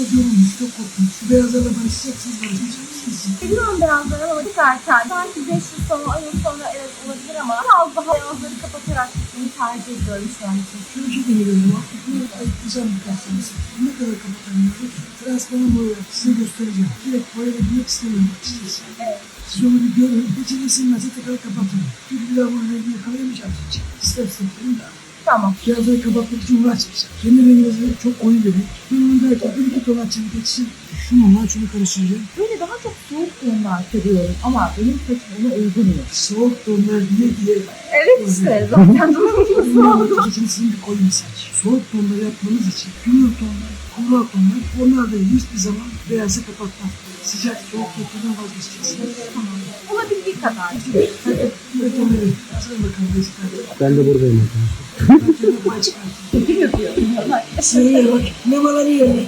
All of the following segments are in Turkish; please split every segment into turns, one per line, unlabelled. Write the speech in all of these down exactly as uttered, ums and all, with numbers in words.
çok yorulmuş, çok korkmuş. Şu beyazlarla barışacaksınız, barışmayacaksınız.
Biliyorum beyazları ama çok erken. Sanki beş yıl sonra, on yıl sonra evet olabilir ama biraz daha beyazları kapatarak gitmeyi tercih ediyorum şu an için.
Şöyle bir şey deneyelim ama ayıklayacağım birkaç tanesi. Ne kadar kapatamıyoruz? Transparan boya size göstereceğim. Direkt boya bilmek istemiyorum açıkçası.
Evet.
Siz onu bir görün, içine sinmezse tekrar kapatın. Çünkü bir daha bunu rengi yakalayamayacağım için. Step step dedim de.
Tamam.
Kağıtları kapatmak için uğraşmayacağım. Kendi renginizi çok koyu verin. Ben onu belki bir iki ton açayım geçsin. Şununla şunu karıştıracağım.
Böyle daha çok soğuk tonlar seviyorum ama benim saçım ona uygun mu?
Soğuk tonlar diye diye.
Evet işte zaten durumumuz oldu.
Saçın sizin bir koyu bir saç. Soğuk tonları yapmanız için gümrük tonlar, kumral tonlar, onlar da hiçbir zaman beyazı kapatmaz. Sıcak soğuk tonlardan vazgeçeceksiniz.
Tamam. Olabildiği kadar.
Hadi üretimleri. Hazır bakalım bezikler.
Ben de buradayım arkadaşlar.
Ben kendime pay çıkartayım.
Kim yapıyor?
Sıraya bak. Nemaları yerine.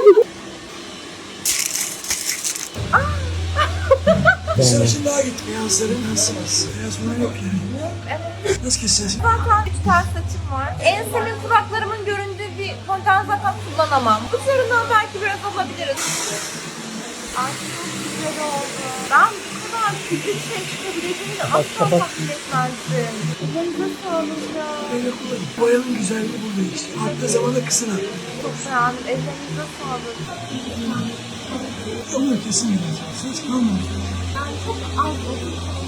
Bir sarışın daha gitti. Beyazların nasıl var? Beyaz falan yok yani.
Evet.
Nasıl keseceğiz?
Zaten üç ters saçım var. Ensemin kulaklarımın göründüğü bir fonten zaten kullanamam. Uçlarından belki biraz alabiliriz. Ay çok güzel oldu. Ben bu kadar küçük şey çıkabileceğini de asla tahmin etmezdim. Elinize sağlık ya.
Böyle kullanın. Boyanın güzelliği burada işte. Arttığı zaman da kısın artık.
Çok beğendim. Ellerinize sağlık.
Şunu kesin yapacağız. Hiç kalmadı.
Yani çok az oldu.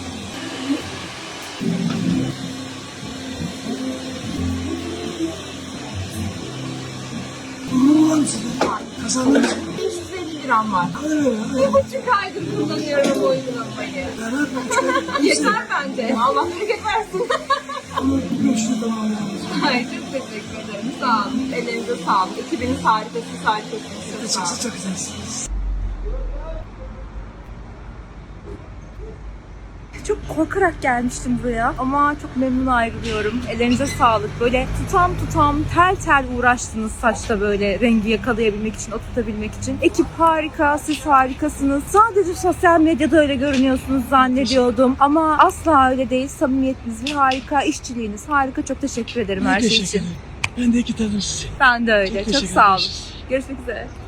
Bunu var mısın? Kazandınız mı?
beş yüz elli liram var.
Hadi be
Bir
ya.
buçuk aydır kullanıyorum bu uygulamayı.
Beraber ben
Yeter bence. Allah bereket versin.
Ama görüşürüz tamamlayalım.
Ay çok teşekkür ederim. Sağ olun. Ellerinize sağlık. Ekibiniz harika. Siz harikasınız. Çok sağ olun.
Çok çok güzelsiniz.
Çok korkarak gelmiştim buraya ama çok memnun ayrılıyorum. Ellerinize sağlık. Böyle tutam tutam tel tel uğraştınız saçta böyle rengi yakalayabilmek için, oturtabilmek için. Ekip harika, siz harikasınız. Sadece sosyal medyada öyle görünüyorsunuz zannediyordum. Ama asla öyle değil. Samimiyetiniz harika, işçiliğiniz harika. Çok teşekkür ederim
Ben
her şey
teşekkür
için.
ederim. Ben de iki tanım sizi.
Ben de öyle.
Çok
Çok,
teşekkür
sağ olun.
ederiz.
Görüşmek üzere.